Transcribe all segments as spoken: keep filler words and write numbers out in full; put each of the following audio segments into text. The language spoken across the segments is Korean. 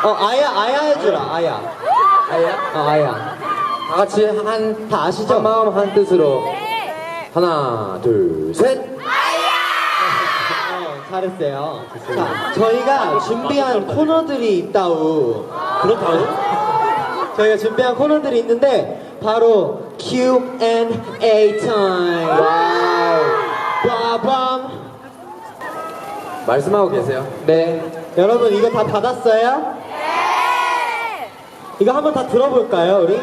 어 아야 아야 해주라 아야. 아야? 어 아야. 다 같이 한, 다 아시죠? 한 마음 한 뜻으로. 하나, 둘, 셋. 어, 잘했어요. 자, 저희가 준비한 코너들이 있다우. 그렇다고? 저희가 준비한 코너들이 있는데 바로 큐 앤 에이 타임. 와우. 빠밤. 말씀하고 계세요. 네. 여러분 이거 다 받았어요? 네. 이거 한번 다 들어볼까요, 우리?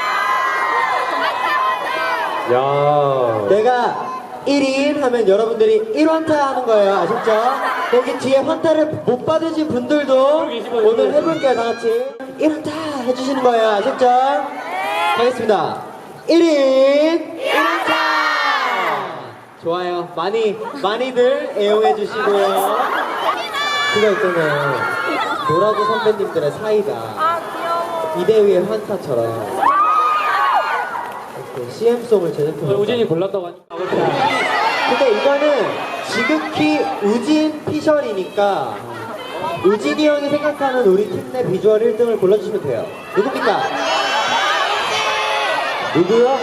야. 내가 일 인 하면 여러분들이 일 환타 하는 거예요. 아셨죠? 여기 뒤에 환타를 못 받으신 분들도 오늘 해볼게요. 다 같이 일 환타 해주시는 거예요. 아셨죠? 하겠습니다. 일 인 일 환타. 좋아요. 많이 많이들 애용해 주시고요. 그거 있잖아요. 노라조 선배님들의 사이다. 이대휘의 환타처럼 씨엠송을 제작해. 우진이 골랐다고 하니까. 근데 이거는 지극히 우진 피셜이니까 우진이 형이 생각하는 우리 팀 내 비주얼 일 등을 골라주시면 돼요. 누굽니까? 누구요?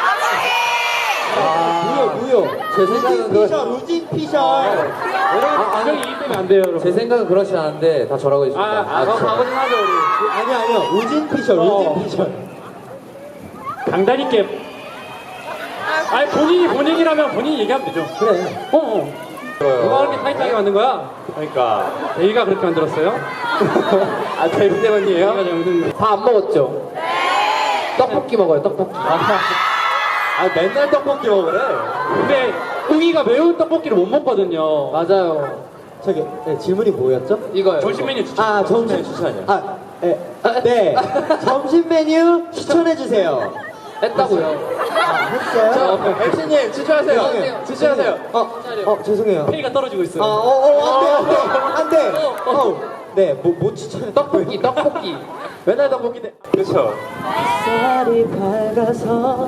아, 누요, 누요. 제 생각은 우진 그- 피셜, 우진 피셜. 아, 아니, 이기 때문에 안 돼요, 여러분. 제 생각은 그렇지 않은데 다 저라고 아, 해주십니다. 아, 그럼 가고 좀 하죠, 우리. 아니요, 아니요. 우진 피셜, 어. 우진 피셜. 강단 있게. 아니, 본인이 본인이라면 본인이 얘기하면 되죠. 그래. 어, 어. 누가 그렇게 타이트하게 만든 거야? 그러니까. 데이가 그렇게 만들었어요? 아, 데뷔 때문이에요? 데이가 잘못했네. 다 안 먹었죠? 네. 떡볶이 먹어요, 떡볶이. 아, 맨날 떡볶이 먹으래. 근데 웅이가 매운 떡볶이를 못 먹거든요. 맞아요. 저기, 네, 질문이 뭐였죠? 이거요. 점심 메뉴 추천. 아, 점심 추천이요. 아, 네. 네. 점심 메뉴 추천해 주세요. 했다고요. 아, 했어요? 엠씨님 추천하세요. 죄송해요. 추천하세요. 어, 어, 죄송해요. 페이가 떨어지고 있어요. 아, 어, 어, 안 돼, 안 돼, 안 돼. 어, 네, 뭐, 뭐 추천해? 떡볶이, 떡볶이. 맨날 떡볶이인데. 그렇죠. 햇살이 밝아서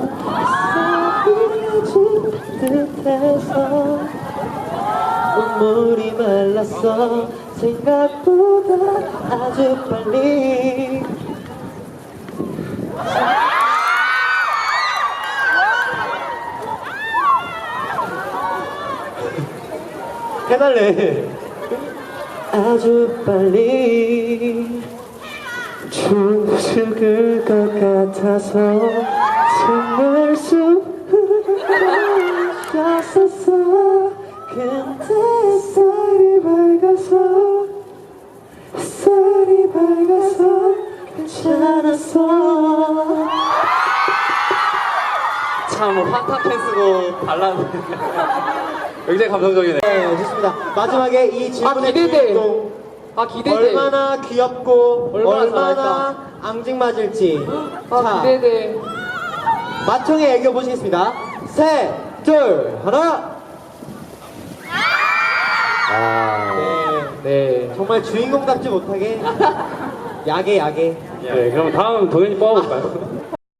햇살이 듯해서 눈물이 말랐어 생각보다 아주 빨리 해달래. 아주 빨리 죽을 것 같아서 참을 수 없었어. 근데 햇살이 밝아서 햇살이 밝아서 괜찮았어. 참 환타 캔쓰고 발라드. 굉장히 감성적이네. 네, 좋습니다. 마지막에 이 질문의 아, 기대돼. 주인공 아, 기대돼. 얼마나 귀엽고 얼마나 얼마나, 잘할까? 앙증맞을지. 아, 자, 기대돼. 마청의 애교 보시겠습니다. 셋, 둘, 하나. 아, 네, 네. 정말 주인공답지 못하게 야게 야게. 네, 그럼 다음 동현이 뽑아볼까요?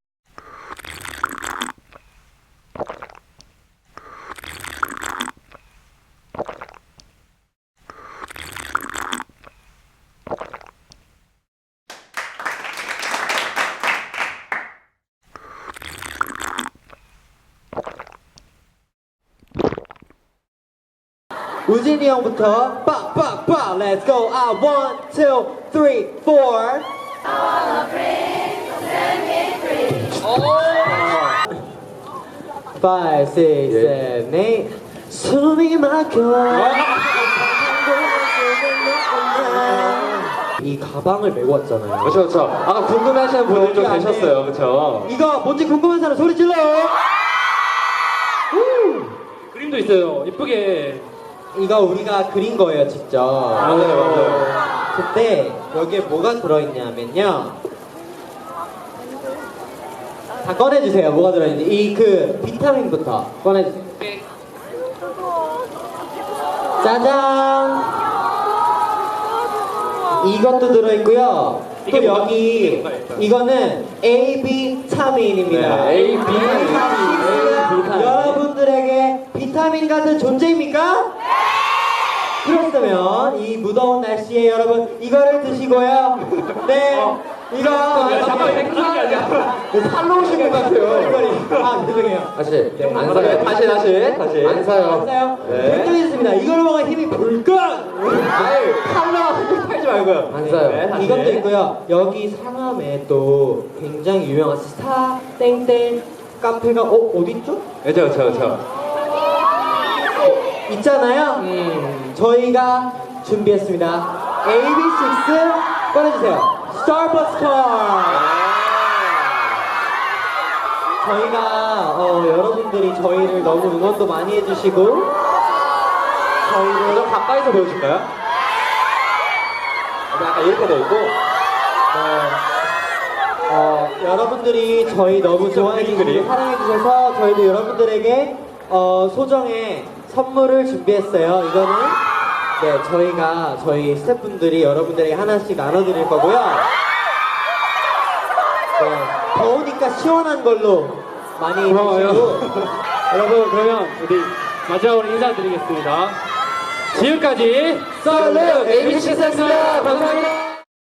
우진이 형부터 빠빠빠 Let's go out one two three four. Five six seven eight. 숨이 막혀. 이 가방을 메고 왔잖아요. 그렇죠, 그렇죠. 아까 궁금해하시는 분들 좀 여기 안에 계셨어요, 그렇죠? 이거 뭔지 궁금한 사람 소리 질러. 그림도 있어요. 이쁘게. 이거 우리가 그린 거예요, 직접. 맞아요, 맞아요. 그때 여기에 뭐가 들어있냐면요. 다 꺼내주세요. 뭐가 들어있는지. 이 그 비타민부터 꺼내주세요. 짜잔. 이것도 들어있고요. 또 이게 뭐가- 여기 이게 뭐가 있어요? 이거는 에이 비타민입니다. 네, A, B, 비타민. 비타민. 여러분들에게 비타민 같은 존재입니까? 그렇다면 이 무더운 날씨에 여러분 이거를 드시고요. 네, 이거 잠깐만, 이렇게 하는 게 아니야. 살로 오신 것 같아요. 아, 죄송해요. 다시. 네, 안 안 사요. 사요. 다시, 다시. 다시. 안 안 사요. 사요? 네. 댓글이 있습니다. 이걸 먹으면 힘이 불끈! 아유, 칼로 팔지 말고요. 안 사요. 네, 이것도 있고요. 여기 상암에 또 굉장히 유명한 스타 땡땡 카페가 어 어딨죠? 저, 저, 저. 있잖아요. 음. 저희가 준비했습니다. 에이비식스 꺼내주세요. 스타버스 컬. 저희가 어, 여러분들이 저희를 너무 응원도 많이 해주시고 저희를 좀 가까이서 보여줄까요? 약간 이렇게 돼 있고. 어, 여러분들이 저희 너무 좋아해 주시고 사랑해 주셔서 저희도 여러분들에게 어, 소정의 선물을 준비했어요. 이거는 네 저희가 저희 스태프분들이 여러분들에게 하나씩 나눠드릴 거고요. 네, 더우니까 시원한 걸로 많이 고마워요. 해주시고 여러분, 그러면 우리 마지막으로 인사드리겠습니다. 지금까지 썰루 에이비식스였습니다. 감사합니다.